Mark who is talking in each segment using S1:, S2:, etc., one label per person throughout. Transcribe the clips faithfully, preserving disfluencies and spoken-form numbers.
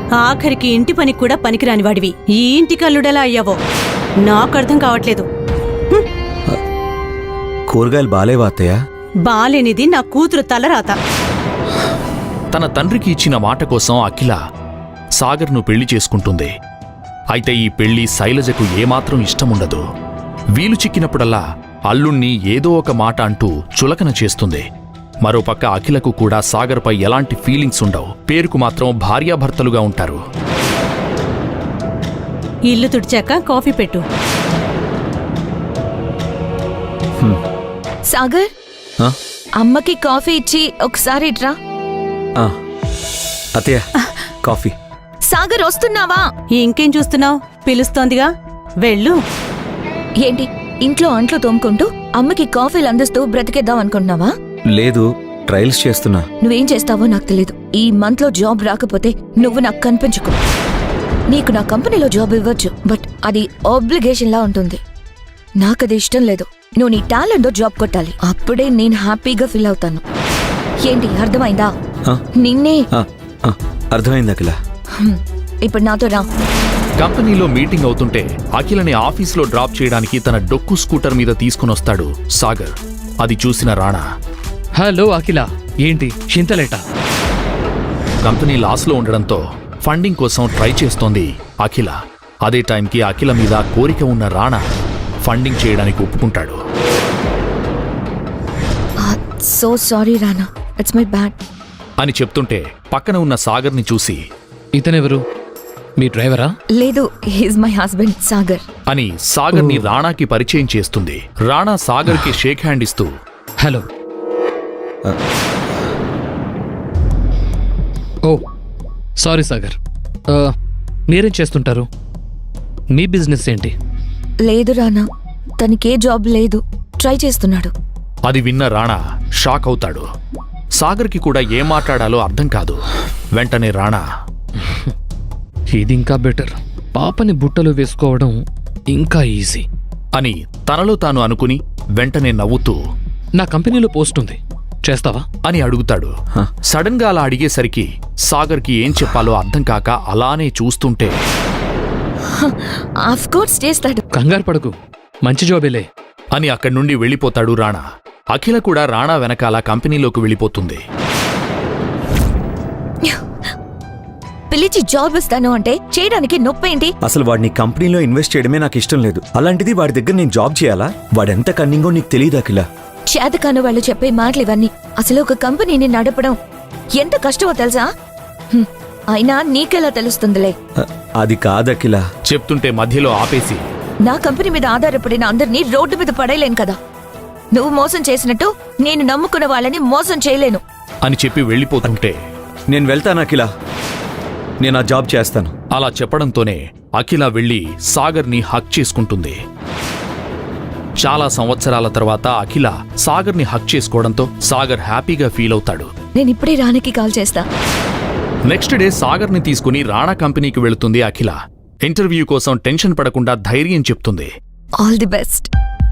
S1: ఆఖరికి ఇంటి పని కూడా పనికిరాని వాడివి ఈ ఇంటికి అల్లుడెలా అయ్యావో నాకు అర్థం కావట్లేదు.
S2: కూరగాయలు బాలేవా అత్తయ్య?
S1: బాలేనిది నా కూతురు తలరాత.
S3: తన తండ్రికి ఇచ్చిన మాట కోసం అఖిల సాగర్ను పెళ్లి చేసుకుంటుంది. అయితే ఈ పెళ్లి శైలజకు ఏమాత్రం ఇష్టముండదు. వీలు చిక్కినప్పుడల్లా అల్లుణ్ణి ఏదో ఒక మాట అంటూ చులకన చేస్తుంది. మరోపక్క అఖిలకు కూడా సాగర్పై ఎలాంటి ఫీలింగ్స్ ఉండవు. పేరుకు మాత్రం భార్యాభర్తలుగా ఉంటారు.
S1: ఇల్లు తుడిచాక కాఫీ పెట్టు.
S4: సాగర్, అమ్మకి కాఫీ ఇచ్చి ఒకసారి ఇట్రా.
S2: అత్తయ్య కాఫీ.
S4: సాగర్ వస్తున్నావా?
S1: ఇంకేం చూస్తున్నావు? పిలుస్తోందిగా, వెళ్ళు.
S4: ఏంటి ఇంట్లో అంట్లు తోముకుంటూ అమ్మకి కాఫీలు అందిస్తూ బ్రతికేద్దాం అనుకుంటున్నావా?
S2: లేదు, ట్రయల్స్ చేస్తున్నా.
S4: నువ్వేం చేస్తావో నాకు తెలీదు. ఈ మంత్ లో జాబ్ రాకపోతే నువ్వు నాకు కనిపించుకో. నీకు నా కంపెనీలో జాబ్ ఇవ్వచ్చు, బట్ అది ఆబ్లిగేషన్ లా ఉంటుంది. నాకది ఇష్టం లేదు. నువ్వు నీ టాలెంట్ జాబ్ కొట్టాలి. అప్పుడే నేను హ్యాపీగా ఫీల్ అవుతాను. ఏంటి అర్థమైందా? నిన్నే.
S2: అర్థమైంది అఖిల.
S4: ఇప్పుడు నాతో రా.
S3: కంపెనీలో మీటింగ్ అవుతుంటే అఖిలని ఆఫీస్లో డ్రాప్ చేయడానికి తన డొక్కు స్కూటర్ మీద తీసుకునొస్తాడు సాగర్. అది చూసిన రాణా,
S5: హలో అఖిల, ఏంటి చింతలేట?
S3: కంపెనీ లాస్లో ఉండడంతో ఫండింగ్ కోసం ట్రై చేస్తోంది అఖిల. అదే టైంకి అఖిల మీద కోరిక ఉన్న రాణా ఫండింగ్ చేయడానికి ఒప్పుకుంటాడు.
S4: So sorry Rana, it's my bad
S3: అని చెప్తుంటే పక్కన ఉన్న సాగర్ని చూసి,
S5: ఇతనెవరు? మీ డ్రైవరా?
S4: లేదు, హీస్ మై హస్బెండ్ సాగర్
S3: అని సాగర్ని రాణాకి పరిచయం చేస్తుంది. రాణా సాగర్కి షేక్ హ్యాండ్ ఇస్తూ,
S5: హలో. ఓ సారీ సాగర్, మీరేం చేస్తుంటారు? మీ బిజినెస్ ఏంటి?
S4: లేదు రానా, తనకే జాబ్ లేదు, ట్రై చేస్తున్నాడు.
S3: అది విన్న రాణా షాక్ అవుతాడు. సాగర్కి కూడా ఏం మాట్లాడాలో అర్థం కాదు. వెంటనే రాణా,
S5: ఇది ఇంకా బెటర్. పాపని బుట్టలు వేసుకోవడం ఇంకా ఈజీ
S3: అని తనలో తాను అనుకుని వెంటనే నవ్వుతూ,
S5: నా కంపెనీలో పోస్ట్ ఉంది, చేస్తావా
S3: అని అడుగుతాడు. సడన్ గా అలా అడిగేసరికి సాగర్కి ఏం చెప్పాలో అర్థం కాక అలానే చూస్తుంటే,
S4: ఆఫ్ కోర్స్ చేస్తాడు,
S5: కంగారు పడకు, మంచి జాబేలే
S3: అని అక్కడి నుండి వెళ్ళిపోతాడు రాణా. అఖిల కూడా రాణా వెనకాల కంపెనీలోకి వెళ్ళిపోతుంది.
S4: పిలిచి జాబ్ ఇస్తాను అంటే చేయడానికి నొప్పేంటి?
S2: అసలు వాడిని కంపెనీలో ఇన్వెస్ట్ చేయడమే నాకు ఇష్టం లేదు. అలాంటిది వాడి దగ్గర నేను జాబ్ చేయాలా? వాడెంత కన్నింగో నీకు తెలియదు అఖిల.
S4: చేతకాను వాళ్ళు చెప్పే మాటలు ఇవన్నీ. అసలు ఒక కంపెనీని నడపడం ఎంత కష్టమో తెలుసా? అయినా నీకెలా తెలుస్తుందిలే.
S2: అది కాదఖిల.
S3: చెప్తుంటే మధ్యలో ఆపేసి,
S4: నా కంపెనీ మీద ఆధారపడిన అందరినీ రోడ్డు మీద పడేయలేను కదా. నువ్వు మోసం చేసినట్టు నేను నమ్ముకున్న వాళ్ళని మోసం చేయలేను
S3: అని చెప్పి వెళ్ళిపోతుంటే,
S2: నేను వెళ్తాను అఖిల, నేను ఆ జాబ్ చేస్తాను.
S3: అలా చెప్పడంతోనే అఖిల వెళ్లి సాగర్ని హక్ చేసుకుంటుంది. చాలా సంవత్సరాల తర్వాత అఖిల సాగర్ని హక్ చేసుకోవడంతో సాగర్ హ్యాపీగా ఫీల్ అవుతాడు.
S4: నేను ఇప్పుడే రాణికి కాల్ చేస్తా.
S3: నెక్స్ట్ డే సాగర్ని తీసుకుని రాణా కంపెనీకి వెళుతుంది అఖిల. ఇంటర్వ్యూ కోసం టెన్షన్ పడకుండా ధైర్యం చెప్తుంది.
S4: All the best.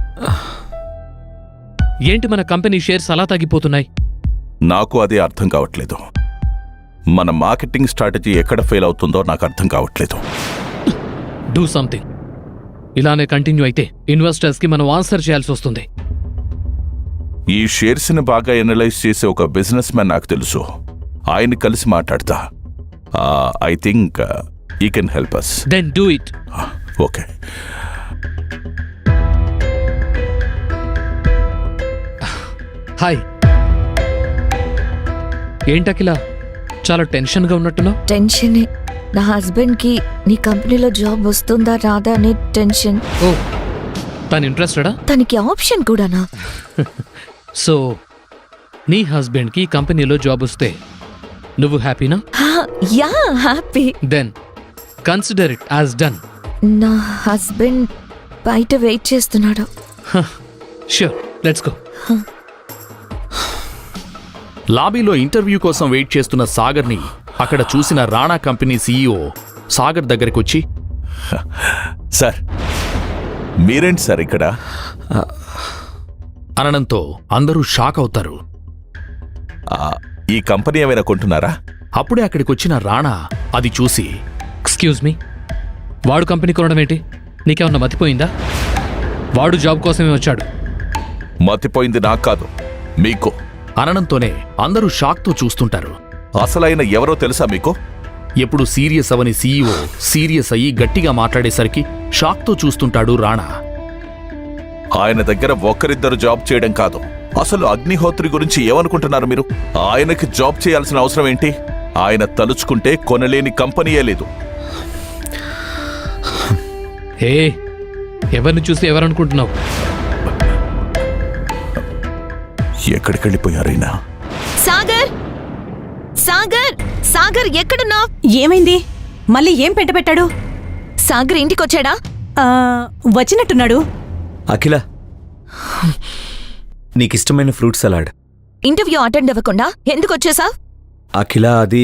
S5: ఏంటి మన కంపెనీ షేర్స్ అలా తగ్గిపోతున్నాయి?
S6: నాకు అది అర్థం కావట్లేదు. మన మార్కెటింగ్ స్ట్రాటజీ ఎక్కడ ఫెయిల్ అవుతుందో నాకు అర్థం కావట్లేదు.
S5: Do something. ఇలానే కంటిన్యూ అయితే ఇన్వెస్టర్స్ కి మనం ఆన్సర్ చేయాల్సి వస్తుంది.
S6: ఈ షేర్స్ ని బాగా ఎనలైజ్ చేసే ఒక బిజినెస్ మ్యాన్ నాకు తెలుసు. ఆయన కలిసి మాట్లాడతా. I think he can help us.
S5: Then do it.
S6: Okay.
S5: Hi. ఏంటకిలా చాలా టెన్షన్గా ఉన్నట్టున్నావు?
S4: టెన్షనే. నా హస్బెండ్ కి నీ కంపెనీలో జాబ్ వస్తుందా రాదా అనే టెన్షన్.
S5: ఓ, తను ఇంట్రెస్టెడా?
S4: తనకి ఆప్షన్ కూడానా?
S5: సో నీ హస్బెండ్ కి కంపెనీలో జాబ్ వస్తే నువ్వు హ్యాపీనా?
S4: Yeah, happy.
S5: Then consider it as done.
S4: నా హస్బెండ్ బయట వెయిట్ చేస్తున్నాడు.
S5: Sure, let's go.
S3: లాబీలో ఇంటర్వ్యూ కోసం వెయిట్ చేస్తున్న సాగర్ని అక్కడ చూసిన రాణా కంపెనీ సీఈఓ సాగర్ దగ్గరకొచ్చి,
S6: సార్ మీరేంటి సార్ ఇక్కడ
S3: అనడంతో అందరూ షాక్ అవుతారు.
S6: ఈ కంపెనీ ఏమైనా కొంటున్నారా?
S3: అప్పుడే అక్కడికొచ్చిన రాణా అది చూసి
S5: ఎక్స్క్యూజ్ మీ, వాడు కంపెనీ కొనడం ఏంటి? నీకేమన్నా మతిపోయిందా? వాడు జాబ్ కోసమే వచ్చాడు.
S6: మతిపోయింది నాకు కాదు, మీకు.
S3: అనడంతోనే అందరూ షాక్తో చూస్తుంటారు.
S6: అసలైన ఎవరో తెలుసా మీకు?
S3: ఎప్పుడు సీరియస్ అవని సీఈఓ సీరియస్ అయ్యి గట్టిగా మాట్లాడేసరికి షాక్తో చూస్తుంటాడు రాణా.
S6: ఆయన దగ్గర ఒక్కరిద్దరు జాబ్ చేయడం కాదు, అసలు అగ్నిహోత్రి గురించి ఏమనుకుంటున్నారు మీరు? ఆయనకి జాబ్ చేయాల్సిన అవసరం ఏంటి? ఆయన తలుచుకుంటే కొనలేని కంపెనీయే లేదు.
S5: ఏ ఎవరిని చూసి ఎవరనుకుంటున్నావు?
S6: ఎక్కడికెళ్ళిపోయారైనా?
S4: సాగర్, సాగర్, సాగర్ ఎక్కడున్నావు?
S1: ఏమైంది? మళ్ళీ ఏం పెట్టబెట్టాడు?
S4: సాగర్ ఇంటికొచ్చాడా?
S1: ఆ, వచ్చినట్టున్నాడు.
S2: అఖిల, నీకిష్టమైన ఫ్రూట్ సలాడ్.
S4: ఇంటర్వ్యూ అటెండ్ అవ్వకుండా ఎందుకు వచ్చేసావ్?
S2: అఖిల, అది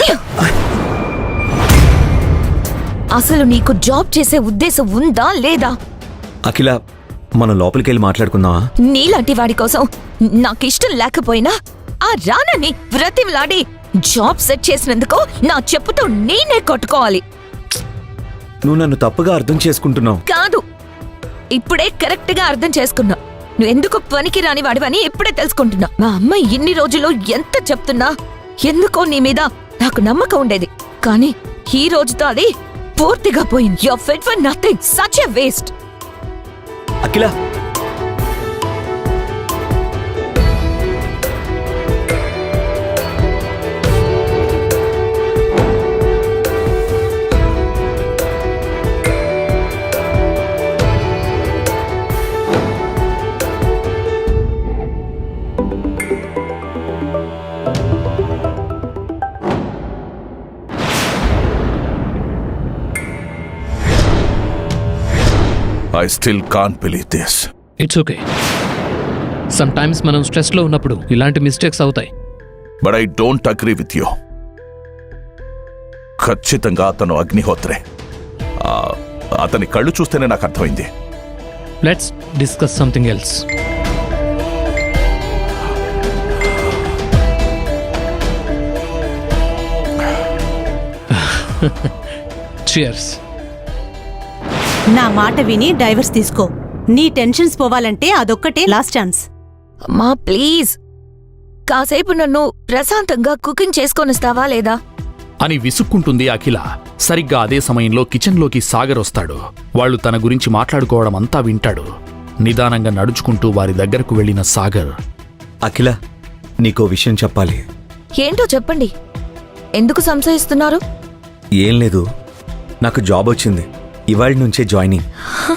S4: అసలు నీకు జాబ్ చేసే ఉద్దేశం ఉందా లేదా?
S2: అఖిల, మనం లోపలికెళ్ళి మాట్లాడుకుందామా?
S4: నీలాంటి వాడి కోసం నాకిష్టం లేకపోయినా ఆ రానని వ్రతిలాడి జాబ్ సెట్ చేసినందుకు నా చెప్పుతో నేనే కొట్టుకోవాలి.
S2: నువ్వు నన్ను తప్పుగా అర్థం చేసుకుంటున్నావు.
S4: కాదు, ఇప్పుడే కరెక్ట్ గా అర్థం చేసుకున్నా. నువ్వెందుకు పనికి రాని వాడివని ఇప్పుడే తెలుసుకుంటున్నా. మా అమ్మ ఇన్ని రోజులు ఎంత చెప్తున్నా ఎందుకో నీ మీద నాకు నమ్మకం ఉండేది. కానీ ఈ రోజుతో అది పూర్తిగా పోయింది. You are fit for nothing, such a waste.
S2: Akhila,
S6: I still can't believe this.
S5: It's okay. Sometimes మనం స్ట్రెస్లో ఉన్నప్పుడు ఇలాంటి మిస్టేక్స్ అవుతాయి.
S6: But I don't agree with you. ఖచ్చితంగా అతను అగ్నిహోత్రే. ఆ, అతని కళ్ళు చూస్తేనే నాకు అర్థమైంది.
S5: Let's discuss something else. Cheers.
S1: నా మాట విని డైవర్స్ తీసుకో. నీ టెన్షన్స్ పోవాలంటే అదొక్కటే లాస్ట్ ఛాన్స్.
S4: అమ్మా ప్లీజ్, కాసేపు నన్ను ప్రశాంతంగా కుకింగ్ చేసుకొనిస్తావా లేదా?
S3: అని విసుక్కుంటుంది అఖిల. సరిగ్గా అదే సమయంలో కిచెన్లోకి సాగర్ వస్తాడు. వాళ్ళు తన గురించి మాట్లాడుకోవడం అంతా వింటాడు. నిదానంగా నడుచుకుంటూ వారి దగ్గరకు వెళ్లిన సాగర్,
S2: అఖిల, నీకో విషయం చెప్పాలి.
S4: ఏంటో చెప్పండి. ఎందుకు సంశయిస్తున్నారు?
S2: ఏం లేదు, నాకు జాబ్ వచ్చింది. ఇవాళ నుంచే జాయినింగ్.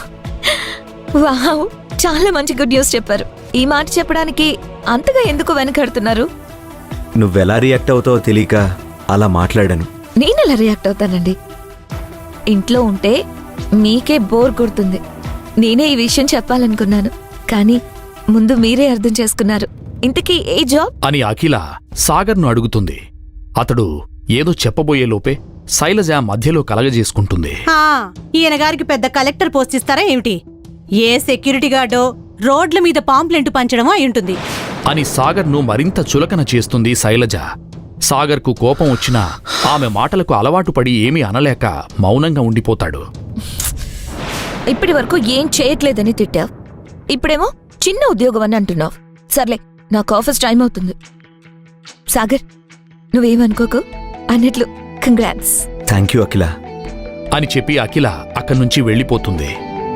S4: వావ్, చాలా మంచి గుడ్ న్యూస్ చెప్పారు. ఈ మాట చెప్పడానికి అంతగా ఎందుకు వెనకడుతున్నారు?
S2: నువ్వెలా రియాక్ట్ అవుతావో తెలియక అలా మాట్లాడాను.
S4: నేనెలా రియాక్ట్ అవుతానండి? ఇంట్లో ఉంటే మీకే బోర్ కొడుతుంది. నేనే ఈ విషయం చెప్పాలనుకున్నాను, కానీ ముందు మీరే అర్థం చేసుకున్నారు. ఇంతకీ ఏ జాబ్
S3: అని అఖిల సాగర్ను అడుగుతుంది. అతడు ఏదో చెప్పబోయే లోపే శైలజ మధ్యలో కలగజేసుకుంటుంది.
S1: ఆ, ఈయన గారికి పెద్ద కలెక్టర్ పోస్ట్ ఇస్తారా ఏమిటి? ఏ సెక్యూరిటీ గార్డో రోడ్ల మీద పాంప్లెంట్ పంచడమో అయి
S3: అని సాగర్ను మరింత చులకన చేస్తుంది శైలజ. సాగర్కు కోపం వచ్చినా ఆమె మాటలకు అలవాటు పడి ఏమీ అనలేక మౌనంగా ఉండిపోతాడు.
S4: ఇప్పటి వరకు ఏం చేయట్లేదని తిట్టావు, ఇప్పుడేమో చిన్న ఉద్యోగం అని అంటున్నావు. సర్లే, నాకు ఆఫీస్ టైం అవుతుంది. సాగర్, నువ్వేమనుకోకు. అన్నట్లు కంగ్రాట్స్.
S2: థ్యాంక్ యూ అఖిల
S3: అని చెప్పి అఖిల అక్కడి నుంచి వెళ్ళిపోతుంది.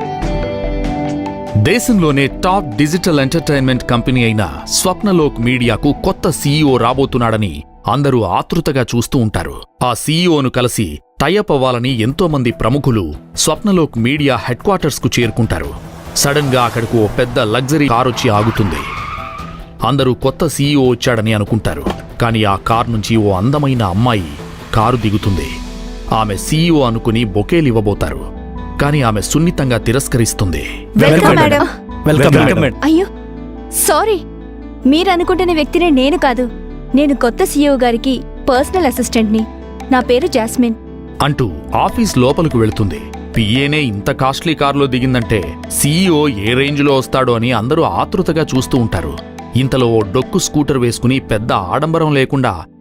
S3: దేశంలోనే టాప్ డిజిటల్ ఎంటర్టైన్మెంట్ కంపెనీ అయిన స్వప్నలోక్ మీడియాకు కొత్త సీఈఓ రాబోతున్నాడని అందరూ ఆతృతగా చూస్తూ ఉంటారు. ఆ సీఈఓను కలిసి టైఅప్ అవ్వాలని ఎంతోమంది ప్రముఖులు స్వప్నలోక్ మీడియా హెడ్ క్వార్టర్స్ కు చేరుకుంటారు. సడన్ గా అక్కడకు ఓ పెద్ద లగ్జరీ కారొచ్చి ఆగుతుంది. అందరూ కొత్త సీఈఓ వచ్చాడని అనుకుంటారు. కానీ ఆ కార్ నుంచి ఓ అందమైన అమ్మాయి కారు దిగుతుంది. ఆమె సీఈఓ అనుకుని బొకేలివ్వబోతారు. కానీ ఆమె సున్నితంగా తిరస్కరిస్తుంది.
S7: Welcome madam.
S2: Welcome madam.
S7: అయ్యో సారీ, మీరనుకుంటున్న వ్యక్తినే నేను కాదు. నేను కొత్త సీఈఓ గారికి పర్సనల్ అసిస్టెంట్ని. నా పేరు జాస్మిన్
S3: అంటూ ఆఫీస్ లోపలకు వెళుతుంది. పిఏనే ఇంత కాస్ట్లీ కారులో దిగిందంటే సీఈఓ ఏ రేంజ్లో వస్తాడో అని అందరూ ఆతృతగా చూస్తూ ఉంటారు. ఇంతలో ఓ డొక్కు స్కూటర్ వేసుకుని పెద్ద ఆడంబరం లేకుండా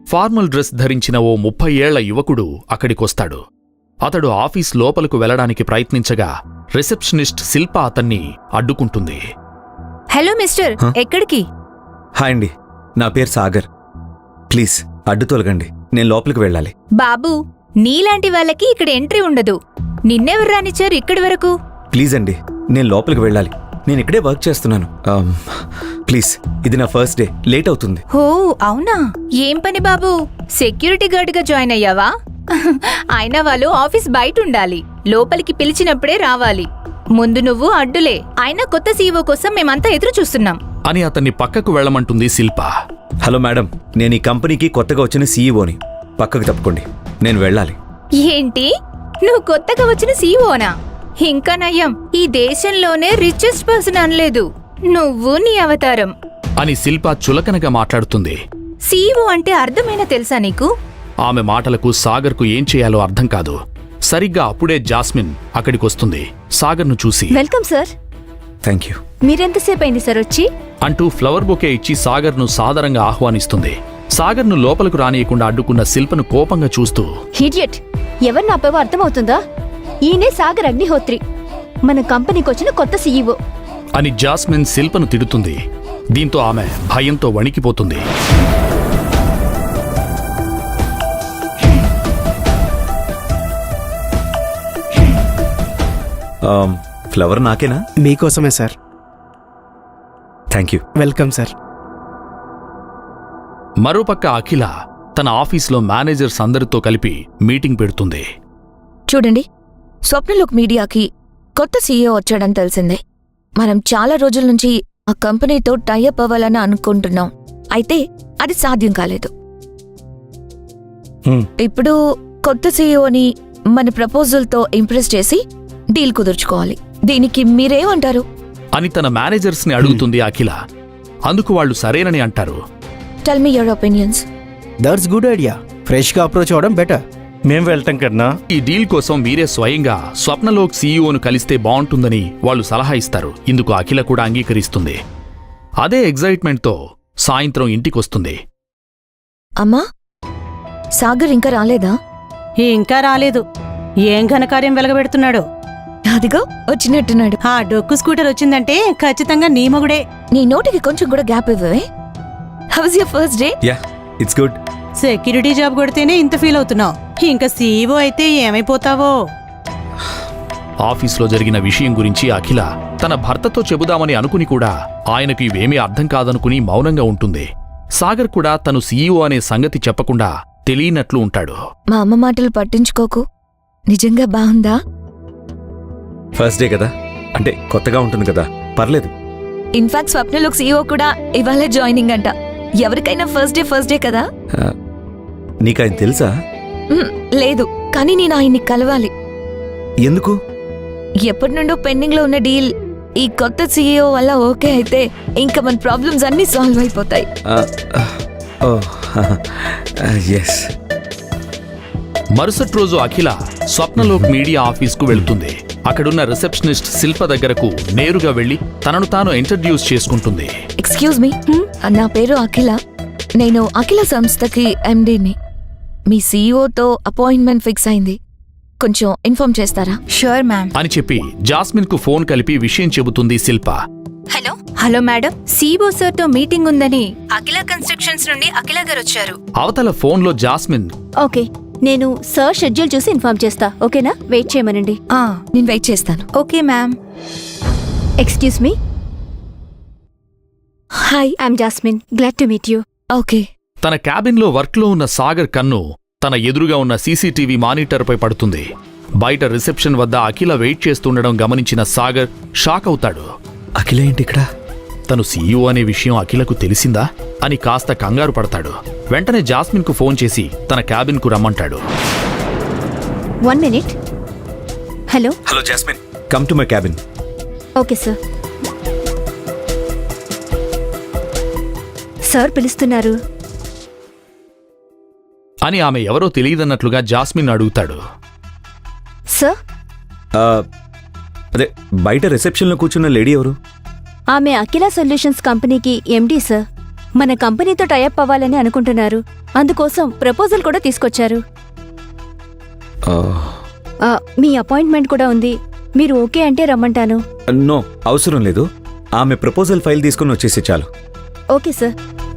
S3: ఫార్మల్ డ్రెస్ ధరించిన ఓ ముప్పై ఏళ్ల యువకుడు అక్కడికొస్తాడు. అతడు ఆఫీస్ లోపలకు వెళ్లడానికి ప్రయత్నించగా రిసెప్షనిస్ట్ శిల్ప అతన్ని అడ్డుకుంటుంది.
S7: హలో మిస్టర్,
S2: హ?
S7: ఎక్కడికి?
S2: హాయ్ అండి, నా పేరు సాగర్. ప్లీజ్ అడ్డు తొలగండి, నేను లోపలికి వెళ్ళాలి.
S7: బాబు, నీలాంటి వాళ్ళకి ఇక్కడ ఎంట్రీ ఉండదు. నిన్నెవరు రానిచ్చారు ఇక్కడి వరకు?
S2: ప్లీజ్ అండి, నేను లోపలికి వెళ్ళాలి. నేను ఇక్కడే వర్క్ చేస్తున్నాను. ఆమ్, ప్లీజ్, ఇది నా ఫస్ట్ డే, లేట్ అవుతుంది.
S7: ఓ అవునా? ఏం పని బాబు, సెక్యూరిటీ గార్డ్గా జాయిన్ అయ్యావా? అయినా వాళ్ళు ఆఫీస్ బయట ఉండాలి, లోపలికి పిలిచినప్పుడే రావాలి. ముందు నువ్వు అడ్డులే. అయినా కొత్త సీఈఓ కోసం మేమంతా ఎదురు చూస్తున్నాం
S3: అని అతన్ని పక్కకు వెళ్లమంటుంది శిల్ప.
S2: హలో మేడం, నేను ఈ కంపెనీకి కొత్తగా వచ్చిన సీఈఓని. పక్కకు తప్పుకోండి, నేను వెళ్ళాలి.
S7: ఏంటి, నువ్వు కొత్తగా వచ్చిన సీఈఓనా? ఇంకా నయ్యం, ఈ దేశంలోనే రిచెస్ట్ పర్సన్ అనలేదు నువ్వు, నీ అవతారం.
S3: అని శిల్ప చులకనగా మాట్లాడుతుంది.
S7: సీఈఓ అంటే అర్థమైనా తెలుసా నీకు?
S3: ఆమె మాటలకు సాగర్కు ఏం చేయాలో అర్థం కాదు. సరిగ్గా అప్పుడే జాస్మిన్ అక్కడికొస్తుంది. సాగర్ను చూసి
S7: వెల్కమ్ సార్.
S2: Thank you.
S7: మీరెంతసేపు అయింది సార్ వచ్చి?
S3: అంటూ ఫ్లవర్ బొకే ఇచ్చి సాగర్ను సాదరంగా ఆహ్వానిస్తుంది. సాగర్ను లోపలకు రానియకుండా అడ్డుకున్న శిల్పను కోపంగా చూస్తూ,
S7: హిడియట్, ఎవరు నాపేవో అర్థమవుతుందా? ఈయనే సాగర్ అగ్నిహోత్రి, మన కంపెనీకి వచ్చిన కొత్త సీఈఓ
S3: అని జాస్మిన్ శిల్పను తిడుతుంది. దీంతో ఆమె భయంతో వణికిపోతుంది.
S2: ఆమ్, ఫ్లవర్ నాకేనా?
S8: మీకోసమే sir.
S2: Thank you.
S8: Welcome sir.
S3: మరోపక్క అఖిల తన ఆఫీస్లో మేనేజర్స్ అందరితో కలిపి మీటింగ్ పెడుతుంది.
S4: చూడండి, స్వప్నలోక్ మీడియాకి కొత్త సీఈఓ వచ్చాడని తెలిసిందే. మనం చాలా రోజుల నుంచి ఆ కంపెనీతో టైఅప్ అవ్వాలని అనుకుంటున్నాం. అయితే అది సాధ్యం కాలేదు.
S2: హ్మ్.
S4: ఇప్పుడు కొత్త సీఈఓని మన ప్రపోజల్తో ఇంప్రెస్ చేసి డీల్ కుదుర్చుకోవాలి. దీనికి మీరేమంటారు
S3: అని తన మేనేజర్స్ ని అడుగుతుంది అఖిల. అందుకు వాళ్ళు సరేనని అంటారు.
S4: Tell me your opinions.
S8: That's good idea. ఫ్రెష్గా అప్రోచ్ అవ్వడం బెటర్.
S9: మేం వెళ్తాం కన్నా.
S3: ఈ డీల్ కోసం మీరే స్వయంగా స్వప్నలోక్ సీఈఓను కలిస్తే బావుంటుందని వాళ్ళు సలహా ఇస్తారు. ఇందుకు అఖిల కూడా అంగీకరిస్తుంది. అదే ఎగ్జైట్మెంట్తో సాయంత్రం ఇంటికొస్తుంది.
S4: అమ్మా, సాగర్ ఇంకా రాలేదా?
S1: ఇంకా రాలేదు. ఏం ఘనకార్యం వెలగబెడుతున్నాడు?
S4: అదిగో వచ్చినట్టున్నాడు.
S1: ఆ డొక్కు స్కూటర్ వచ్చిందంటే ఖచ్చితంగా నీ మొగుడే.
S4: నీ నోటికి కొంచెం కూడా గ్యాప్ ఇవ్వవే. How was your first day?
S2: Yeah, it's good.
S1: Security job కొడితేనే ఇంత ఫీల్ అవుతున్నావు, ఇంకా సీఈఓ అయితే ఏమైపోతావో.
S3: ఆఫీస్లో జరిగిన విషయం గురించి అఖిల తన భర్తతో చెబుదామని అనుకుని కూడా ఆయనకు ఇవేమీ అర్థం కాదనుకుని మౌనంగా ఉంటుంది. సాగర్ కూడా తను సీఈఓ అనే సంగతి చెప్పకుండా తెలియనట్లు ఉంటాడు.
S4: మా అమ్మ మాటలు పట్టించుకోకు. నిజంగా బాగుందా?
S2: ఫస్ట్ డే కదా, అంటే కొత్తగా ఉంటుంది కదా, పర్లేదు.
S4: ఇన్ఫాక్ట్ స్వప్నలోక్ సీఈఓ కూడా ఇవాళే జాయినింగ్ అంట. ఎవరికైనా ఫస్ట్ డే ఫస్ట్ డే కదా.
S2: ఆ, నీకు ఆయన తెలుసా?
S4: మ్మ్, లేదు, కానీ నేను ఆయన్ని కలవాలి.
S2: ఎందుకు?
S4: ఎప్పటి నుండో పెండింగ్ లో ఉన్న డీల్ ఈ కొత్త సీఈఓ వల్ల ఓకే అయితే ఇంకా మన ప్రాబ్లమ్స్ అన్నీ సాల్వ్ అయిపోతాయి.
S2: ఎస్.
S3: మరుసటి రోజు అఖిల స్వప్నలోక్ మీడియా ఆఫీస్కు వెళుతుంది. అక్కడున్న రిసెప్షనిస్ట్ శిల్ప దగ్గరకు నేరుగా వెళ్లి తనను తాను ఇంట్రడ్యూస్ చేసుకుంటుంది.
S4: ఎక్స్క్యూజ్ మీ, నా పేరు అఖిల. నేను అఖిల సంస్థకి ఎండీని. మీ సీఈఓతో అపాయింట్మెంట్ ఫిక్స్ అయింది. కొంచెం ఇన్ఫార్మ్ చేస్తారా?
S7: Sure ma'am.
S3: అని చెప్పి జాస్మిన్ కు ఫోన్ కలిపి విషయం చెబుతుంది Shilpa.
S7: Hello hello madam, CEO sir తో మీటింగ్ ఉందని అఖిల కన్స్ట్రక్షన్స్ నుండి అఖిల గారు వచ్చారు.
S3: అవతల ఫోన్లో జాస్మిన్,
S7: ఓకే, నేను సార్ షెడ్యూల్ చూసి ఇన్ఫార్మ్ చేస్తా. ఓకేనా? వెయిట్ చేయమనండి.
S4: నేను వెయిట్ చేస్తాను.
S7: Okay ma'am. Excuse me.
S4: Hi.
S7: I'm Jasmine. Glad to meet you.
S4: Okay.
S3: తన క్యాబిన్లో వర్క్లో ఉన్న సాగర్ కన్ను తన ఎదురుగా ఉన్న సీసీటీవీ మానిటర్పై పడుతుంది. బయట రిసెప్షన్ వద్ద అఖిల వెయిట్ చేస్తుండడం గమనించిన సాగర్ షాక్ అవుతాడు.
S2: అఖిల ఏంటి ఇక్కడ?
S3: తను సీఈఓ అనే విషయం అఖిలకు తెలిసిందా అని కాస్త కంగారు పడతాడు. వెంటనే జాస్మిన్ కు ఫోన్ చేసి తన క్యాబిన్ కు రమ్మంటాడు.
S7: One minute. Hello
S2: hello Jasmine, come to my cabin.
S7: Okay sir. Sir పిలుస్తున్నారు
S3: అని ఆమె ఎవరో తెలియదన్నట్లుగా జాస్మిన్ అడుగుతాడు.
S7: సార్,
S2: అదే బయట రిసెప్షన్లో కూర్చున్న లేడీ ఎవరు?
S7: ఆమె అఖిల సొల్యూషన్స్ కంపెనీకి ఎండీ సార్.
S9: మన కంపెనీతో టైఅప్ అవ్వాలని అనుకుంటున్నారు. అందుకోసం ప్రపోజల్ కూడా తీసుకొచ్చారు.
S2: ఆ,
S9: ఆ, మీ అపాయింట్మెంట్ కూడా ఉంది. మీరు ఓకే అంటే రమ్మంటాను.
S2: నో అవసరం లేదు. ఆమె ప్రపోజల్ ఫైల్ తీసుకుని వచ్చేసి చాలు.
S9: Okay sir.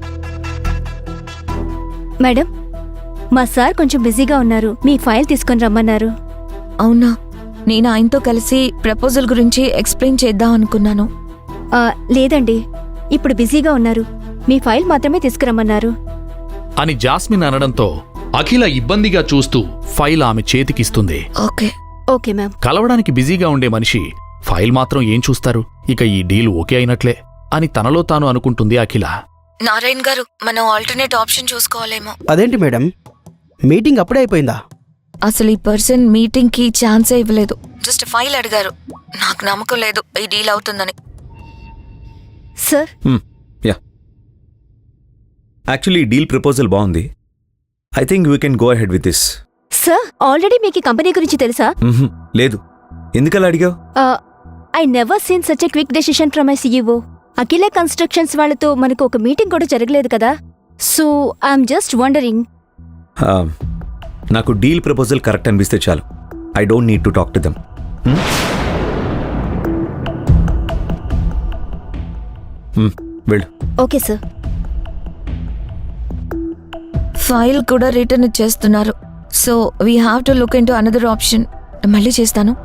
S9: మేడం, మా సార్ కొంచెం బిజీగా ఉన్నారు. మీ ఫైల్ తీసుకొని రమ్మన్నారు.
S4: అవునా, నేను ఆయనతో కలిసి ప్రపోజల్ గురించి ఎక్స్ప్లెయిన్ చేద్దాం అనుకున్నాను.
S9: ఆ, లేదండి, ఇప్పుడు బిజీగా ఉన్నారు. మీ ఫైల్ మాత్రమే తీసుకురమ్మన్నారు.
S3: అని జాస్మిన్ అనడంతో అఖిల ఇబ్బందిగా చూస్తూ ఫైల్ ఆమె చేతికిస్తుంది.
S4: ఓకే.
S9: Okay ma'am.
S3: కలవడానికి బిజీగా ఉండే మనిషి ఫైల్ మాత్రం ఏం చూస్తారు, ఇక ఈ డీల్ ఓకే అయినట్లే అని తనలో తాను అనుకుంటుంది అఖిల.
S4: నారాయణ్ గారు, మనం ఆల్టర్నేట్ ఆప్షన్ చూసుకోవాలేమో.
S8: అదేంటి మేడం, మీటింగ్ అప్పుడే అయిపోయిందా?
S4: అసలు ఈ పర్సన్ మీటింగ్ కి ఛాన్సే ఇవ్వలేదు. జస్ట్ ఫైల్ అడిగారు. నాకు నమ్మకం లేదు ఈ డీల్ అవుతుందని.
S9: Sir,
S2: yeah, actually deal proposal బాగుంది. I think we can go ahead with this.
S9: Sir, already మీకు ఈ కంపెనీ గురించి తెలుసా?
S2: లేదు. ఎందుకలా అడిగావు?
S9: I never seen such a quick decision from my CEO. Akhila constructions వాళ్ళతో మనకు ఒక మీటింగ్ కూడా జరగలేదు కదా. So I'm just wondering.
S2: నాకు డీల్ ప్రపోజల్ కరెక్ట్ అనిపిస్తే చాలు. I don't need to talk to them. వెళ్ళు.
S9: Okay sir.
S4: ఫైల్ కూడా రిటర్న్ ఇచ్చేస్తున్నారు. So we have to look into another option. మళ్ళీ చేస్తాను.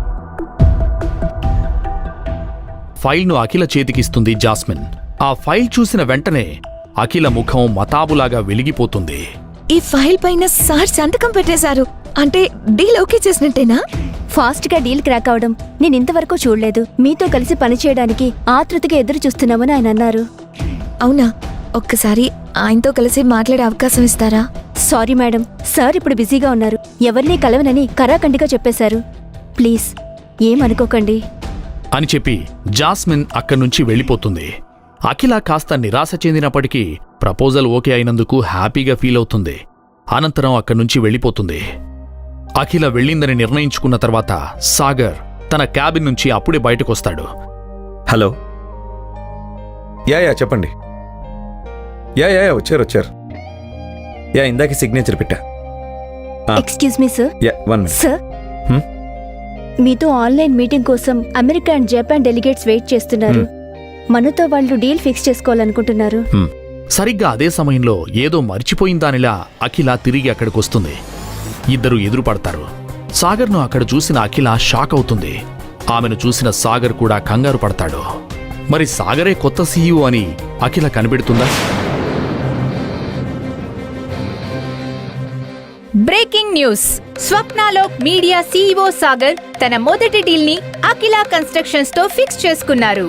S3: ఫైల్ను అఖిల చేతికిస్తుంది జాస్మిన్. ఆ ఫైల్ చూసిన వెంటనే అఖిల ముఖం మతాబులాగా వెలిగిపోతుంది.
S4: ఈ ఫైల్ పైన సార్ సంతకం పెట్టేశారు. అంటే డీల్ ఓకే చేసినట్టేనా?
S9: ఫాస్ట్ గా డీల్ క్రాక్ అవడం నేను ఇంతవరకు చూడలేదు. మీతో కలిసి పనిచేయడానికి ఆతృతగా ఎదురు చూస్తున్నామని ఆయన అన్నారు.
S4: అవునా? ఒక్కసారి ఆయనతో కలిసి మాట్లాడే అవకాశం ఇస్తారా?
S9: సారీ మేడం, సార్ ఇప్పుడు బిజీగా ఉన్నారు. ఎవరినీ కలవనని కరాఖండిగా చెప్పేశారు. ప్లీజ్ ఏమనుకోకండి
S3: అని చెప్పి జాస్మిన్ అక్కడ్నుంచి వెళ్ళిపోతుంది. అఖిల కాస్త నిరాశ చెందినప్పటికీ ప్రపోజల్ ఓకే అయినందుకు హ్యాపీగా ఫీల్ అవుతుంది. అనంతరం అక్కడ్నుంచి వెళ్ళిపోతుంది. అఖిల వెళ్ళిందని నిర్ణయించుకున్న తర్వాత సాగర్ తన క్యాబిన్ నుంచి అప్పుడే బయటకొస్తాడు.
S2: హలో. యా యా చెప్పండి. యా యా యా, వచ్చారు వచ్చారు. యా, ఇందాక సిగ్నేచర్ పెట్టా.
S9: Excuse me sir.
S2: Yeah, one minute.
S9: Sir, మీతో ఆన్లైన్ మీటింగ్ కోసం America and Japan delegates wait చేస్తున్నారు. మనతో వాళ్ళు డీల్ ఫిక్స్ చేసుకోవాలనుకుంటున్నారు.
S3: సరిగ్గా అదే సమయంలో ఏదో మర్చిపోయిందానిలా అఖిల తిరిగి అక్కడికొస్తుంది. ఇద్దరు ఎదురుపడతారు. సాగర్ను అక్కడ చూసిన అఖిల షాక్ అవుతుంది. ఆమెను చూసిన సాగర్ కూడా కంగారు పడతాడు. మరి సాగరే కొత్త సీఈఓ అని అఖిల కనిపెడుతుందా?
S7: Breaking news. Swapnalok media CEO Sagar తన మొదటి డీల్ ని అఖిల కన్స్ట్రక్షన్స్ తో ఫిక్స్ చేసుకున్నారు.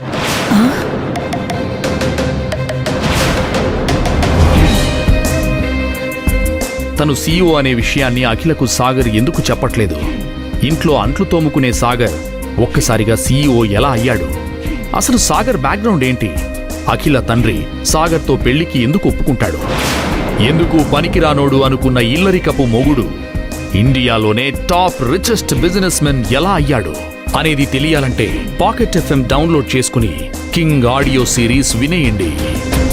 S3: తను సీఈఓ అనే విషయాన్ని అఖిలకు సాగర్ ఎందుకు చెప్పట్లేదు? ఇంట్లో అంట్లు తోముకునే సాగర్ ఒక్కసారిగా సీఈఓ ఎలా అయ్యాడు? అసలు సాగర్ బ్యాక్గ్రౌండ్ ఏంటి? అఖిల తండ్రి సాగర్తో పెళ్లికి ఎందుకు ఒప్పుకుంటాడు? ఎందుకు పనికిరానోడు అనుకున్న ఇల్లరికపు మొగుడు ఇండియాలోనే టాప్ రిచెస్ట్ బిజినెస్ మెన్ ఎలా అయ్యాడు అనేది తెలియాలంటే పాకెట్ ఎఫ్ఎం డౌన్లోడ్ చేసుకుని కింగ్ ఆడియో సిరీస్ వినేయండి.